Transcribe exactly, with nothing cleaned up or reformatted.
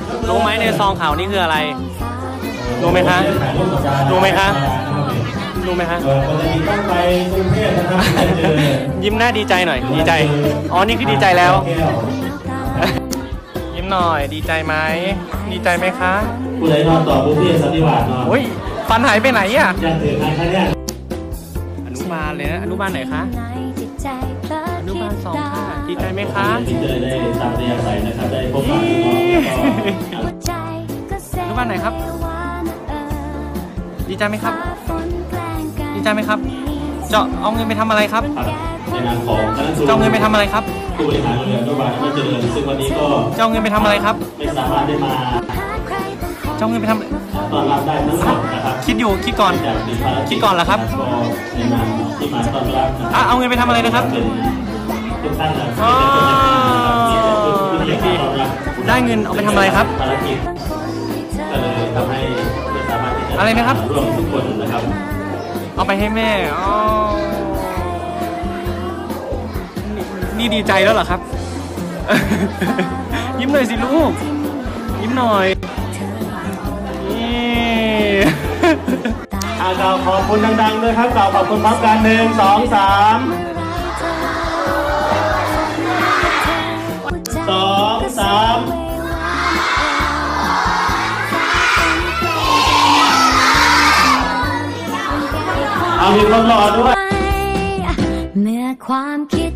รู้ไหมในซองขาวนี่คืออะไรรู้ไหมคะรู้ไหมคะรู้ไหมคะยิ้มหน้าดีใจหน่อยดีใจอ๋อนี่คือดีใจแล้วยิ้มหน่อยดีใจไหมดีใจไหมคะผู้ใดนอนต่อผู้พี่สันติบาทนอนโอ้ยฟันหายไปไหนอ่ะยังถือใครคะเนี่ยอนุบาลเลยนะอนุบาลไหนคะอนุบาลสองค่ะดีใจไหมคะที่เจอได้ตามเรียนใส่นะครับได้พบปะน้องอนุบาลไหนครับดีใจไหมครับดีใจไหมครับจะเอาเงินไปทำอะไรครับในนามของคณะครูจะเอาเงินไปทำอะไรครับผู้บริหารโรงเรียนอนุบาลไม่เจริญซึ่งวันนี้ก็จะเอาเงินไปทำอะไรครับไม่สามารถได้มาจะเอาเงินไปทำตอนรับได้ทั้งหมดนะครับคิดอยู่คิดก่อนคิดก่อนเหรอครับในนามที่มาต้อนรับอ่ะเอาเงินไปทำอะไรนะครับทุกท่านอ๋อได้เงินเอาไปทำอะไรครับภารกิจก็เลยทำให้ไม่สามารถที่จะอะไรนะครับร่วมทุกคนนะครับเอาไปให้แม่อ๋อนี่ดีใจแล้วเหรอครับยิ้มหน่อยสิลูกยิ้มหน่อยนี่อาจารย์ขอบคุณดังๆด้วยครับกล่าวขอบคุณพร้อมกันหนึ่งสองสามสองสามเอามีคนรอด้วยเมื่อความคิด